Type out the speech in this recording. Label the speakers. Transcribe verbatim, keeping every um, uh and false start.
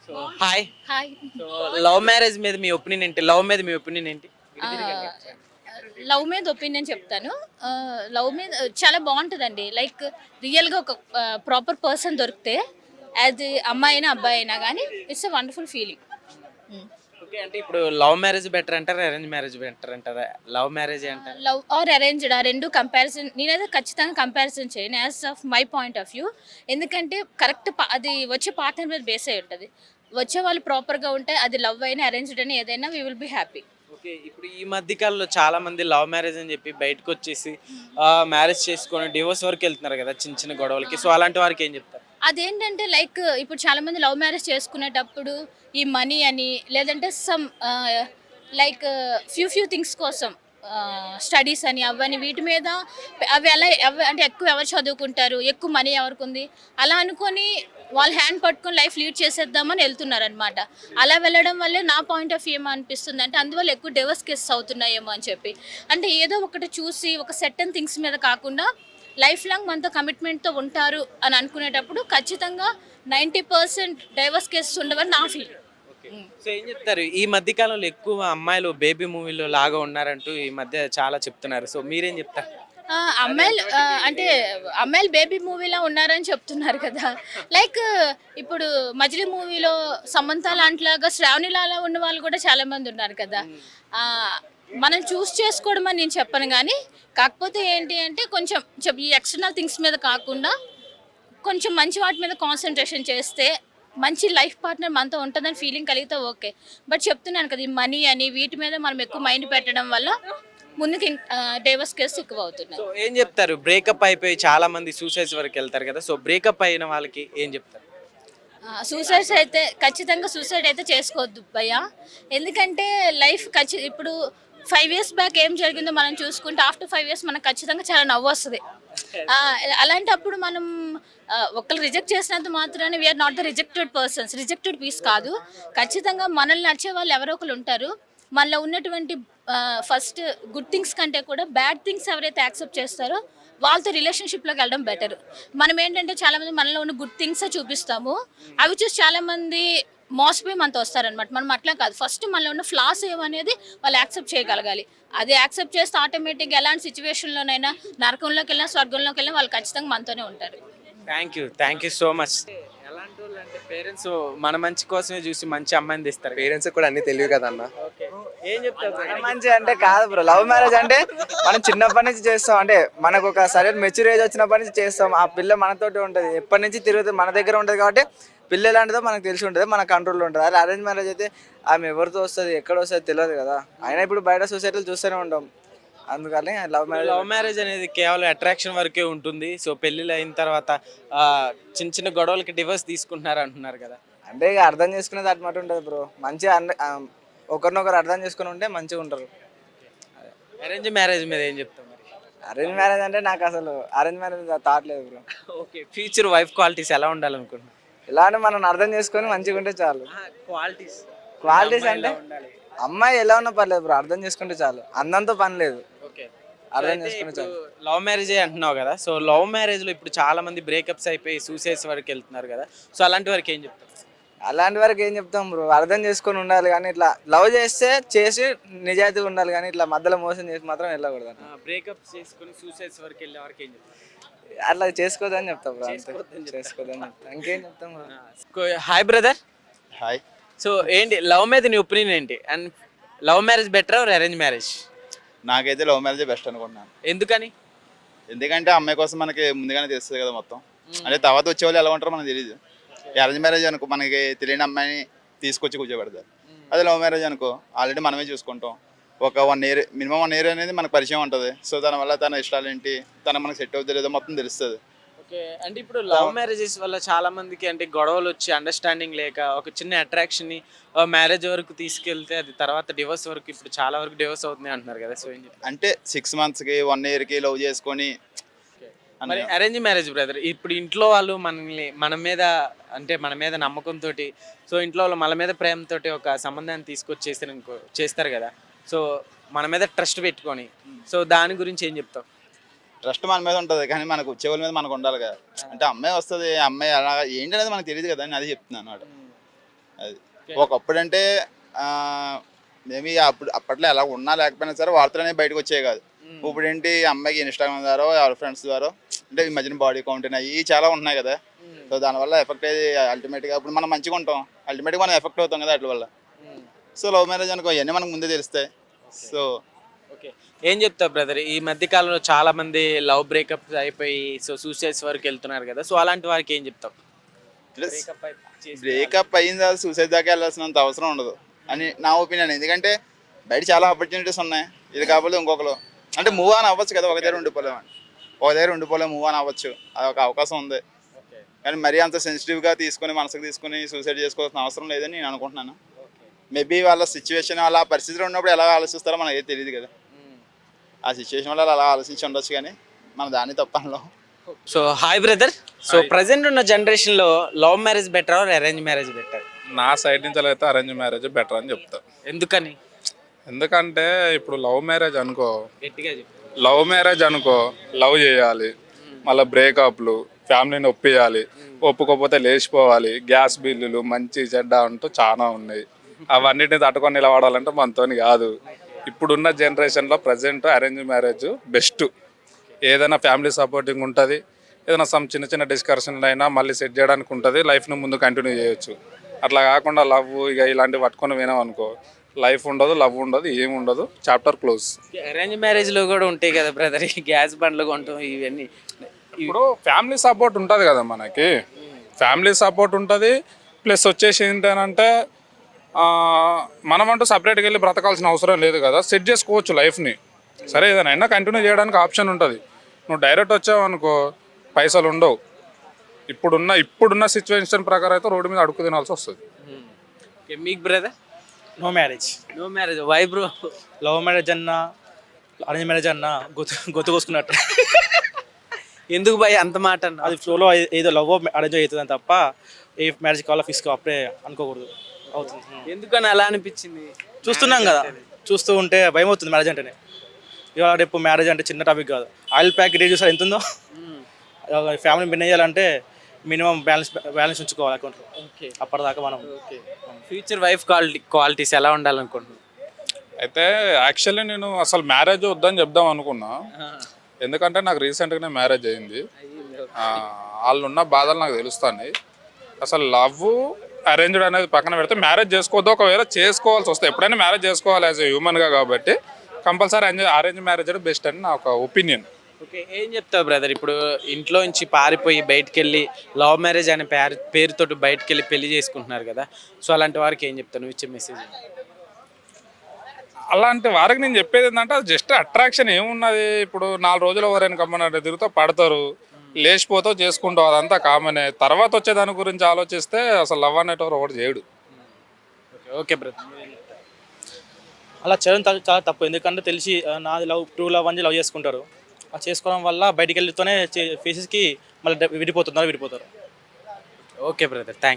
Speaker 1: So hi.
Speaker 2: Hi.
Speaker 1: So love marriage మీద మీ opinion ఏంటి? లవ్ మీద మీ ఒపీనియన్ ఏంటి?
Speaker 2: లవ్ మీద ఒపీనియన్ చెప్తాను. లవ్ మీద చాలా బాగుంటుందండి. లైక్ రియల్గా ఒక ప్రాపర్ పర్సన్ దొరికితే అది అమ్మాయి అయినా అబ్బాయి అయినా కానీ it's a wonderful feeling.
Speaker 1: Okay, అంటే ఇప్పుడు లవ్ మ్యారేజ్ బెటర్ అంటారా, అరేంజ్ మ్యారేజ్ బెటర్ అంటారా? లవ్ మ్యారేజ్ అంటారా?
Speaker 2: లవ్ ఆర్ అరేంజ్డ్ ఆ రెండు కంపారిజన్ నేనైతే ఖచ్చితంగా కంపారిజన్ చేయను as of my point of view. ఎందుకంటే కరెక్ట్ అది వచ్చే పార్ట్నర్ మీద బేస్ అయి ఉంటుంది. వచ్చే వాళ్ళు ప్రాపర్గా ఉంటే అది లవ్ అయినా అరేంజ్డ్ అయినా ఏదైనా we will be happy.
Speaker 1: Okay, ఇప్పుడు ఈ మధ్య కాలంలో చాలా మంది లవ్ మ్యారేజ్ అని చెప్పి బయటకు వచ్చేసి మ్యారేజ్ చేసుకొని డివోర్స్ వరకు వెళ్తున్నారు కదా, చిన్న చిన్న గొడవలకి. సో అలాంటి వారికి ఏం చెప్తారు?
Speaker 2: అదేంటంటే లైక్ ఇప్పుడు చాలామంది లవ్ మ్యారేజ్ చేసుకునేటప్పుడు ఈ మనీ అని లేదంటే some like few few things కోసం స్టడీస్ అని అవని వీటి మీద అవి ఎలా ఎవ అంటే ఎక్కువ ఎవరు చదువుకుంటారు, ఎక్కువ మనీ ఎవరికి ఉంది అలా అనుకొని వాళ్ళ హ్యాండ్ పట్టుకొని లైఫ్ లీడ్ చేసేద్దామని వెళ్తున్నారు అనమాట. అలా వెళ్ళడం వల్లే నా పాయింట్ ఆఫ్ వ్యూ ఏమో అనిపిస్తుంది అంటే అందువల్ల ఎక్కువ డివోర్స్ కేసెస్ అవుతున్నాయేమో అని చెప్పి. అంటే ఏదో ఒకటి చూసి ఒక సెటన్ థింగ్స్ మీద కాకుండా లైఫ్ లాంగ్ మనతో కమిట్మెంట్తో ఉంటారు అని అనుకునేటప్పుడు ఖచ్చితంగా నైంటీ పర్సెంట్ డైవర్స్ కేసెస్ ఉండవని నా ఫీల్.
Speaker 1: సో ఏం చెప్తారు, ఈ మధ్య కాలంలో ఎక్కువ అమ్మాయిలు బేబీ మూవీలో లాగా ఉన్నారంటూ ఈ మధ్య చాలా చెప్తున్నారు. సో మీరేం చెప్తారు?
Speaker 2: అమ్మాయిలు అంటే అమ్మాయిలు బేబీ మూవీలో ఉన్నారని చెప్తున్నారు కదా. లైక్ ఇప్పుడు మజిలీ మూవీలో సమంత లాంటిలాగా శ్రావణిలాగా ఉన్న వాళ్ళు కూడా చాలా మంది ఉన్నారు కదా. మనం చూస్ చేసుకోవడం అని నేను చెప్పను కానీ కాకపోతే ఏంటి అంటే కొంచెం ఈ ఎక్స్టర్నల్ థింగ్స్ మీద కాకుండా కొంచెం మంచి వాటి మీద కాన్సన్ట్రేషన్ చేస్తే మంచి లైఫ్ పార్ట్నర్ మనతో ఉంటుందని ఫీలింగ్ కలిగితే ఓకే. బట్ చెప్తున్నాను కదా ఈ మనీ అని వీటి మీద మనం ఎక్కువ మైండ్ పెట్టడం వల్ల ముందుకు డైవర్స్ కేసు ఎక్కువ అవుతున్నాయి.
Speaker 1: సో ఏం చెప్తారు, బ్రేకప్ అయిపోయి చాలా మంది సూసైడ్స్ వరకు వెళ్తారు కదా, సో బ్రేకప్ అయిన వాళ్ళకి ఏం చెప్తారు?
Speaker 2: సూసైడ్స్ అయితే ఖచ్చితంగా సూసైడ్ అయితే చేసుకోవద్దు భయ్యా. ఎందుకంటే లైఫ్ ఖచ్చి ఇప్పుడు ఫైవ్ ఇయర్స్ బ్యాక్ ఏం జరిగిందో మనం చూసుకుంటే ఆఫ్టర్ ఫైవ్ ఇయర్స్ మనకు ఖచ్చితంగా చాలా నవ్వు వస్తుంది. అలాంటప్పుడు మనం ఒకళ్ళు రిజెక్ట్ చేసినంత మాత్రాన్ని we are not the rejected persons, rejected piece కాదు. ఖచ్చితంగా మనల్ని నచ్చే వాళ్ళు ఎవరో ఒకరు ఉంటారు. మనలో ఉన్నటువంటి ఫస్ట్ గుడ్ థింగ్స్ కంటే కూడా బ్యాడ్ థింగ్స్ ఎవరైతే యాక్సెప్ట్ చేస్తారో వాళ్ళతో రిలేషన్షిప్లోకి వెళ్ళడం బెటర్. మనం ఏంటంటే చాలామంది మనలో ఉన్న గుడ్ థింగ్సే చూపిస్తాము, అవి చూసి చాలామంది మోసపోయి మనతో వస్తారనమాట. మనం అట్లా కాదు, ఫస్ట్ మనలో ఉన్న ఫ్లాస్ ఏమనేది వాళ్ళు యాక్సెప్ట్ చేయగలగాలి. అది యాక్సెప్ట్ చేస్తే ఆటోమేటిక్గా ఎలాంటి సిచ్యువేషన్లోనైనా నరకంలోకి వెళ్ళినా స్వర్గంలోకి వెళ్ళినా వాళ్ళు ఖచ్చితంగా మనతోనే ఉంటారు.
Speaker 1: Thank you thank you so much. ఎలాంటి వాళ్ళు అంటే పేరెంట్స్ మన మంచి కోసమే చూసి మంచి అమ్మాయిని తెస్తారు.
Speaker 3: పేరెంట్స్ కూడా అన్ని తెలియదు కదా అన్న.
Speaker 1: ఏం చెప్తారు?
Speaker 4: మంచి అంటే కాదు బ్రో, లవ్ మ్యారేజ్ అంటే మనం చిన్నప్పటి నుంచి చేస్తాం. అంటే మనకు ఒక సరైన మెచ్యూర్ ఏజ్ వచ్చినప్పటి నుంచి చేస్తాం. ఆ పిల్ల మనతోటి ఉంటుంది, ఎప్పటి నుంచి తిరుగుతుంది, మన దగ్గర ఉంటుంది. కాబట్టి పిల్ల ఎలాంటిదో మనకు తెలిసి ఉంటుంది, మన కంట్రోల్లో ఉంటుంది. అదే అరేంజ్ మ్యారేజ్ అయితే ఆమె ఎవరితో వస్తుంది, ఎక్కడ వస్తుంది తెలియదు కదా. అయినా ఇప్పుడు బయట సొసైటీలు చూస్తూనే ఉంటాం, అందుకని లవ్ మ్యారేజ్.
Speaker 1: లవ్ మ్యారేజ్ అనేది కేవలం అట్రాక్షన్ వరకే ఉంటుంది. సో పెళ్ళిళ్ళు అయిన తర్వాత చిన్న చిన్న గొడవలకి డివోర్స్ తీసుకుంటున్నారు అంటున్నారు కదా.
Speaker 4: అంటే ఇక అర్థం చేసుకునేది అటు మాట ఉంటుంది బ్రో. మంచిగా ఒకరినొకరు అర్థం చేసుకుని ఉంటే మంచిగా ఉంటారు.
Speaker 1: అరేంజ్ మ్యారేజ్ మీద ఏం చెప్తాం మరి?
Speaker 4: అరేంజ్ మ్యారేజ్ అంటే నాకు అసలు అరేంజ్ మ్యారేజ్ థాట్ లేదు bro.
Speaker 1: Okay, future wife qualities ఎలా ఉండాలనుకుంటున్నాను?
Speaker 4: ఇలా అంటే మనం అర్థం చేసుకొని మంచిగా ఉంటే చాలు.
Speaker 1: క్వాలిటీస్
Speaker 4: క్వాలిటీస్ అంటే అమ్మాయి ఎలా ఉన్నా పర్లేదు బ్రో, అర్థం చేసుకుంటే చాలు. అందంతో పని లేదు,
Speaker 1: ఓకే
Speaker 4: అర్థం చేసుకుంటే చాలు.
Speaker 1: లవ్ మ్యారేజ్ అంటున్నావు కదా, సో లవ్ మ్యారేజ్ లో ఇప్పుడు చాలా మంది బ్రేకప్స్ అయిపోయి సూసైడ్స్ వరకు వెళ్తున్నారు కదా, సో అలాంటి వరకు ఏం చెప్తారు?
Speaker 4: అలాంటి వరకు ఏం చెప్తాం బ్రో, అర్థం చేసుకొని ఉండాలి. కానీ ఇట్లా లవ్ చేస్తే చేసి నిజాయితీగా ఉండాలి, కానీ ఇట్లా మధ్యలో మోసం చేసి మాత్రం వెళ్ళకూడదు.
Speaker 1: బ్రేకప్ చేసుకొని సూసైడ్స్ వరకు వెళ్ళే వరకు ఏం చెప్తారు?
Speaker 4: అట్లా చేసుకోదని చెప్తాం బ్రో, అంతే. చేసుకోదని చెప్తాం, ఇంకేం చెప్తాం bro.
Speaker 1: Hi brother.
Speaker 3: Hi.
Speaker 1: So ఏంటి లవ్ మీద నీ ఒపీనియన్ ఏంటి? And love marriage better or arrange marriage?
Speaker 3: నాకైతే లవ్ మ్యారేజ్ బెస్ట్ అనుకుంటున్నాను.
Speaker 1: ఎందుకని?
Speaker 3: ఎందుకంటే అమ్మాయి కోసం మనకి ముందుగానే తెలుస్తుంది కదా మొత్తం. అంటే తర్వాత వచ్చేవాళ్ళు ఎలా ఉంటారో మనకు తెలియదు. అరేంజ్ మ్యారేజ్ అనుకో మనకి తెలియని అమ్మాయిని తీసుకొచ్చి కూర్చోబెడతారు. అదే లవ్ మ్యారేజ్ అనుకో ఆల్రెడీ మనమే చూసుకుంటాం. ఒక one year minimum one year అనేది మనకు పరిచయం ఉంటుంది. సో దానివల్ల తన ఇష్టాలు ఏంటి, తన మనకు సెట్ అవుతుంది లేదో మొత్తం తెలుస్తుంది.
Speaker 1: ఓకే, అంటే ఇప్పుడు లవ్ మ్యారేజెస్ వల్ల చాలా మందికి అంటే గొడవలు వచ్చి అండర్స్టాండింగ్ లేక ఒక చిన్న అట్రాక్షన్ని మ్యారేజ్ వరకు తీసుకెళ్తే అది తర్వాత డివోర్స్ వరకు ఇప్పుడు చాలా వరకు డివోర్స్ అవుతుంది అంటున్నారు కదా. సో ఏం చెప్తారు?
Speaker 3: అంటే సిక్స్ మంత్స్కి వన్ ఇయర్కి లవ్ చేసుకొని.
Speaker 1: మరి అరేంజ్ మ్యారేజ్ బ్రదర్, ఇప్పుడు ఇంట్లో వాళ్ళు మనల్ని మన మీద అంటే మన మీద నమ్మకంతో, సో ఇంట్లో వాళ్ళు మన మీద ప్రేమతో ఒక సంబంధాన్ని తీసుకొచ్చి చేస్తారు అనుకో చేస్తారు కదా, సో మన మీద ట్రస్ట్ పెట్టుకొని, సో దాని గురించి ఏం చెప్తావు?
Speaker 3: ట్రస్ట్ మన మీద ఉంటుంది కానీ మనకు వచ్చేవాళ్ళ మీద మనకు ఉండాలి కదా. అంటే అమ్మాయి వస్తుంది, అమ్మాయి అలా ఏంటి అనేది మనకు తెలియదు కదా అని అది చెప్తున్నాను అనమాట. అది ఒకప్పుడు అంటే మేబీ అప్పుడు అప్పట్లో ఎలా ఉన్నా లేకపోయినా సరే వార్తలు అనేవి బయటకు వచ్చేవి కాదు. ఇప్పుడు ఏంటి అమ్మాయికి ఇన్స్టాగ్రామ్ ద్వారా ఎవరి ఫ్రెండ్స్ ద్వారా అంటే ఈ మధ్యన బాడీ కౌంట్ అవి చాలా ఉన్నాయి కదా. సో దానివల్ల ఎఫెక్ట్ అయ్యి అల్టిమేట్గా ఇప్పుడు మనం మంచిగా ఉంటాం, అల్టిమేట్గా మనం ఎఫెక్ట్ అవుతాం కదా వాటి వల్ల. సో లవ్ మ్యారేజ్ అనుకో ఇవన్నీ మనకు ముందే తెలుస్తాయి. సో
Speaker 1: ఓకే, ఏం చెప్తావు బ్రదర్? ఈ మధ్య కాలంలో చాలా మంది లవ్ బ్రేకప్ అయిపోయి సో సూసైడ్స్ వరకు వెళ్తున్నారు కదా, సో అలాంటి వారికి ఏం చెప్తావు?
Speaker 3: బ్రేకప్ అయిన తర్వాత సూసైడ్ దాకా వెళ్ళాల్సినంత అవసరం ఉండదు అని నా ఒపీనియన్. ఎందుకంటే బయట చాలా ఆపర్చునిటీస్ ఉన్నాయి. ఇది కాకపోతే ఇంకొకరు అంటే మూవ్ ఆన్ అవ్వచ్చు కదా, ఒక దగ్గర ఉండిపోలేము అని ఒక దగ్గర ఉండిపోలేము మూవ్ ఆన్ అవ్వచ్చు, అదొక అవకాశం ఉంది. కానీ మరీ అంత సెన్సిటివ్గా తీసుకొని మనసుకు తీసుకొని సూసైడ్ చేసుకోవాల్సిన అవసరం లేదని నేను అనుకుంటున్నాను. మేబీ వాళ్ళ సిచ్యువేషన్ వాళ్ళ పరిస్థితిలో ఉన్నప్పుడు ఎలా ఆలోచిస్తారో మనకి తెలియదు కదా. ఆ సిచ్యువేషన్ వల్ల అలా ఆలోచించి ఉండొచ్చు, కానీ మన దాన్ని తప్పనలో.
Speaker 1: So hi brother, so present ఉన్న జనరేషన్లో love marriage better or arrange marriage better?
Speaker 5: నా సైడ్ నుంచి అయితే అరేంజ్ మ్యారేజ్ బెటర్ అని చెప్తా.
Speaker 1: ఎందుకని?
Speaker 5: ఎందుకంటే ఇప్పుడు లవ్ మ్యారేజ్ అనుకో,
Speaker 1: గట్టిగా చెప్పు.
Speaker 5: లవ్ మ్యారేజ్ అనుకో లవ్ చేయాలి, మళ్ళీ బ్రేకప్లు, ఫ్యామిలీని ఒప్పియాలి, ఒప్పుకోకపోతే లేచిపోవాలి, గ్యాస్ బిల్లులు మంచి చెడ్డ అంటూ చాలా ఉన్నాయి. అవన్నిటిని తట్టుకొని నిలబడాలంటే మనతోని కాదు. ఇప్పుడున్న జనరేషన్లో ప్రజెంట్ అరేంజ్ మ్యారేజ్ బెస్ట్. ఏదైనా ఫ్యామిలీ సపోర్టింగ్ ఉంటుంది, ఏదైనా సమ్ చిన్న చిన్న డిస్కషన్లు అయినా మళ్ళీ సెట్ చేయడానికి ఉంటుంది, లైఫ్ను ముందు కంటిన్యూ చేయొచ్చు. అట్లా కాకుండా లవ్ ఇక ఇలాంటివి పట్టుకొని వినాం అనుకో, లైఫ్ ఉండదు, లవ్ ఉండదు, ఏమి ఉండదు, చాప్టర్ క్లోజ్.
Speaker 1: అరేంజ్ మ్యారేజ్లో కూడా ఉంటాయి కదా బ్రదర్, గ్యాస్ బండ్లు కొంటాం ఇవన్నీ.
Speaker 5: ఇప్పుడు ఫ్యామిలీ సపోర్ట్ ఉంటుంది కదా మనకి, ఫ్యామిలీ సపోర్ట్ ఉంటుంది. ప్లస్ వచ్చేసి ఏంటంటే మనమంటూ సపరేట్గా వెళ్ళి బ్రతకాల్సిన అవసరం లేదు కదా, సెట్ చేసుకోవచ్చు లైఫ్ని. సరే ఏదైనా అయినా కంటిన్యూ చేయడానికి ఆప్షన్ ఉంటుంది. నువ్వు డైరెక్ట్ వచ్చావు అనుకో పైసలు ఉండవు. ఇప్పుడున్న ఇప్పుడున్న సిచ్యువేషన్ ప్రకారం అయితే రోడ్డు మీద అడుగు తినాల్సి వస్తుంది.
Speaker 1: మీకు brother?
Speaker 6: No marriage.
Speaker 1: No marriage why bro?
Speaker 6: Love marriage అన్నా అరేంజ్ మ్యారేజ్ అన్నా గొత్తు గొత్తు కోసుకున్నట్టు.
Speaker 1: ఎందుకు భయ్ అంత మాట అన్న?
Speaker 6: అది ఫ్లోలో ఏదో లవ్ అరేంజ్ అవుతుందని తప్ప ఏ మ్యారేజ్ కావాలో ఫిక్స్ అప్పుడే అనుకోకూడదు. అవుతుంది.
Speaker 1: ఎందుకని అలా అనిపించింది?
Speaker 6: చూస్తున్నాం కదా, చూస్తూ ఉంటే భయం అవుతుంది మ్యారేజ్ అంటేనే. ఇవాళ రేపు మ్యారేజ్ అంటే చిన్న టాపిక్ కాదు. ఆయిల్ ప్యాకెట్ ఏ చూసారు ఎంత ఉందో. ఫ్యామిలీ బిన్ చేయాలంటే మినిమం బ్యాలెన్స్ బ్యాలెన్స్ ఉంచుకోవాలి అకౌంట్లో.
Speaker 1: ఓకే,
Speaker 6: అప్పటిదాకా మనం
Speaker 1: ఫ్యూచర్ వైఫ్ క్వాలిటీ క్వాలిటీస్ ఎలా ఉండాలనుకుంటున్నాను?
Speaker 5: అయితే యాక్చువల్లీ నేను అసలు మ్యారేజ్ వద్దని చెప్దాం అనుకున్నా. ఎందుకంటే నాకు రీసెంట్గానే మ్యారేజ్ అయింది. వాళ్ళు ఉన్న బాధలు నాకు తెలుస్తాయి. అసలు లవ్ అరేంజ్డ్ అనేది పక్కన పెడితే మ్యారేజ్ చేసుకోవద్దు. ఒకవేళ చేసుకోవాల్సి వస్తే ఎప్పుడైనా మ్యారేజ్ చేసుకోవాలి యాజ్ ఎ హ్యూమన్గా, కాబట్టి కంపల్సరీ అరేంజ్ అరేంజ్ మ్యారేజ్ అనేది బెస్ట్ అని నా ఒక ఒపీనియన్.
Speaker 1: ఓకే, ఏం చెప్తావు బ్రదర్? ఇప్పుడు ఇంట్లో నుంచి పారిపోయి బయటకు వెళ్ళి లవ్ మ్యారేజ్ అనే పేరు పేరుతోటి బయటకు వెళ్ళి పెళ్లి చేసుకుంటున్నారు కదా, సో అలాంటి వారికి ఏం చెప్తావు? నువ్వు ఇచ్చే మెసేజ్.
Speaker 5: అలాంటి వారికి నేను చెప్పేది ఏంటంటే అది జస్ట్ అట్రాక్షన్ ఏమున్నది. ఇప్పుడు నాలుగు రోజులు ఎవరైనా కమ్మనంటే తిరుగుతూ పడతారు, లేచిపోతావు, చేసుకుంటావు, అదంతా కామనే. తర్వాత వచ్చే దాని గురించి ఆలోచిస్తే అసలు లవ్ అనేటవారు ఒకటి చేయడు.
Speaker 1: ఓకే బ్రదర్,
Speaker 6: అలా చేయడం త- చాలా తప్పు. ఎందుకంటే తెలిసి ఆ, నాది లవ్ ట్రూ లవ్ అని లవ్ చేసుకుంటారు. ఆ చేసుకోవడం వల్ల బయటికి వెళ్తూనే ఫేసెస్కి మళ్ళీ విడిపోతున్నారు విడిపోతారు
Speaker 1: ఓకే బ్రదర్, థ్యాంక్